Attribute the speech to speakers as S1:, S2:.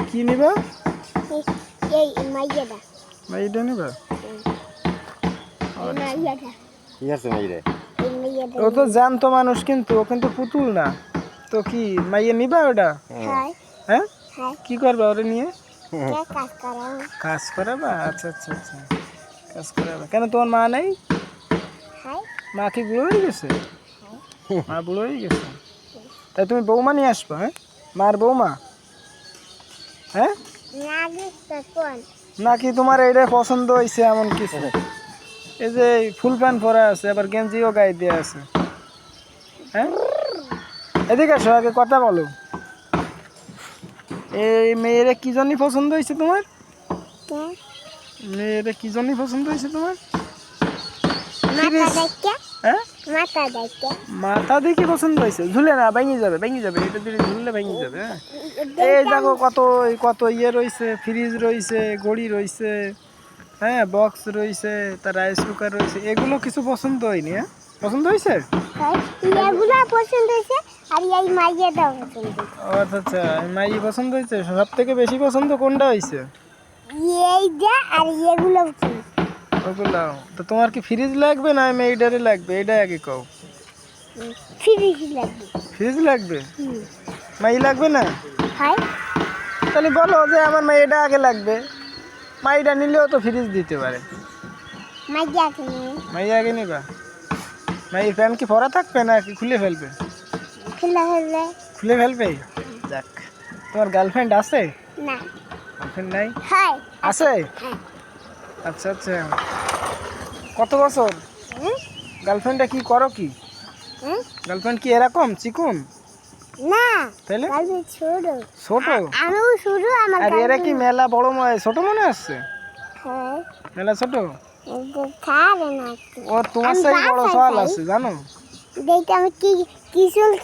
S1: কি নিবা?
S2: এই মাইয়াটা।
S1: মাইটা নিবা?
S2: এই মাইয়াটা।
S3: কি আছে মাইরে?
S2: এই মাইয়াটা।
S1: ও তো জ্যান্ত মানুষ, কিন্তু ও কিন্তু পুতুল না। তো কি মাইয়া নিবা ওটা?
S2: হ্যাঁ
S1: হ্যাঁ,
S2: হ্যাঁ।
S1: কি করবা ওটা নিয়ে?
S2: কে কাজ করাও?
S1: কাজ করাবা? আচ্ছা আচ্ছা আচ্ছা, কাজ করাবা। কেন তোমার মা নেই?
S2: হ্যাঁ
S1: মা কি বুড়ো হয়ে গেছে? মা বুড়ো হয়ে গেছে, তাই তুমি বৌমা নিয়ে আসবা? হ্যাঁ, মার বৌমা। হ্যাঁ,
S2: না গেছে কোন?
S1: নাকি তোমার এইটাই পছন্দ হয়েছে এমন কিছু? এই যে ফুল প্যান্ট পরা আছে, আবার গেঞ্জিও গায়ে দিয়ে আছে। হ্যাঁ, এদিকে আসো, আগে কথা বলো। এই মেয়েরা কি জন্যই পছন্দ হয়েছে তোমার?
S2: কে?
S1: মেয়েরা কি জন্যই পছন্দ হয়েছে তোমার?
S2: মাথা দেখতে?
S1: হ্যাঁ,
S2: মাথা দেখতে?
S1: মাথা দেখে পছন্দ হয়েছে? ঝুলে না, ভেঙে যাবে, ভেঙে যাবে, এটা দিয়ে ঝুললে ভেঙে যাবে। হ্যাঁ, এই দেখো কত কত ইয়ে রয়েছে, ফ্রিজ রয়েছে, ঘড়ি রয়েছে, হ্যাঁ, বক্স রয়েছে, তার রাইস কুকার রয়েছে, এগুলো কিছু পছন্দ হয়নি? হ্যাঁ, পছন্দ হয়েছে?
S2: হ্যাঁ, এগুলো পছন্দ হয়েছে আর এই মাইয়াটাও পছন্দ হয়েছে।
S1: ও আচ্ছা আচ্ছা, মাই পছন্দ হয়েছে। সব থেকে বেশি পছন্দ কোনটা হয়েছে?
S2: এইটা আর এগুলো পছন্দ।
S1: ওগুলো তো। তোমার কি ফ্রিজ লাগবে না মেয়েটারে লাগবে, এটা আগে কও।
S2: ফ্রিজ লাগবে।
S1: ফ্রিজ লাগবে? মাই লাগবে না?
S2: হয়
S1: তাহলে বলো যে আমার মেয়েটা আগে লাগবে, মাইটা নিলেও তো ফ্রিজ দিতে পারে।
S2: মাইয়া কিনে
S1: মাই আগে নিবা? মাইয়ের প্যান্ট কি পরা থাকবে না কি খুলে ফেলবে?
S2: খুলে ফেললে?
S1: খুলে ফেলবে? যাক, তোমার গার্লফ্রেন্ড আছে?
S2: না।
S1: গার্লফ্রেন্ড নাই?
S2: হয়
S1: আছে?
S2: হ্যাঁ।
S1: আচ্ছা আচ্ছা, কত বছর?
S2: হুম?
S1: গার্লফ্রেন্ডটা কি করো কি?
S2: হুম?
S1: গার্লফ্রেন্ড কি এরকম চিকুন?
S2: না,
S1: তাহলে
S2: গার্লফ্রেন্ড ছোট।
S1: ছোট?
S2: আমিও শুরু আমার
S1: আর এরা কি
S2: গার্লফ্রেন্ড।
S1: মেলা বড় ছোট মনে আসছে?
S2: হ্যাঁ,
S1: মেলা ছোট?
S2: এটা খাবে না।
S1: ও তোমার
S2: আমি
S1: সেই বড়
S2: বাসায়
S1: সওয়াল
S2: যাই।
S1: আছে জানো?
S2: দেখতে আমি কি কি চুল